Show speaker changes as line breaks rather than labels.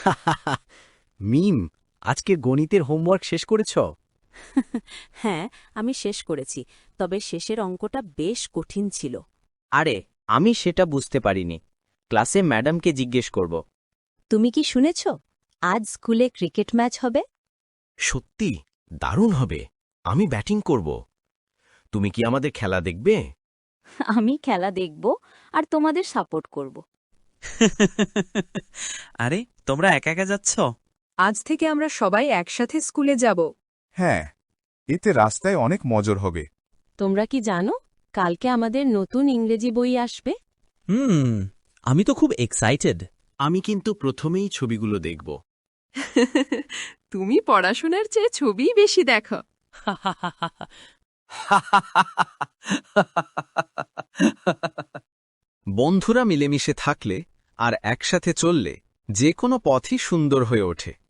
মিম, আজকে গণিতের হোমওয়ার্ক শেষ করেছ?
হ্যাঁ, আমি শেষ করেছি, তবে শেষের অঙ্কটা বেশ কঠিন ছিল।
আরে, আমি সেটা বুঝতে পারিনি। ক্লাসে ম্যাডামকে জিজ্ঞেস করব।
তুমি কি শুনেছ? আজ স্কুলে ক্রিকেট ম্যাচ হবে।
সত্যি দারুণ হবে। আমি ব্যাটিং করব। তুমি কি আমাদের খেলা দেখবে?
আমি খেলা দেখব আর তোমাদের সাপোর্ট করব।
আরে, তোমরা একা একা যাচ্ছ?
আজ থেকে আমরা সবাই একসাথে স্কুলে যাব।
হ্যাঁ, এতে রাস্তায় অনেক মজর হবে।
তোমরা কি জানো কালকে আমাদের নতুন ইংরেজি বই আসবে?
আমি তো খুব এক্সাইটেড।
আমি কিন্তু প্রথমেই ছবিগুলো দেখব।
তুমি পড়াশোনার চেয়ে ছবিই বেশি দেখো।
বন্ধুরা মিলেমিশে থাকলে আর একসাথে চললে যে কোনো পথই সুন্দর হয়ে ওঠে।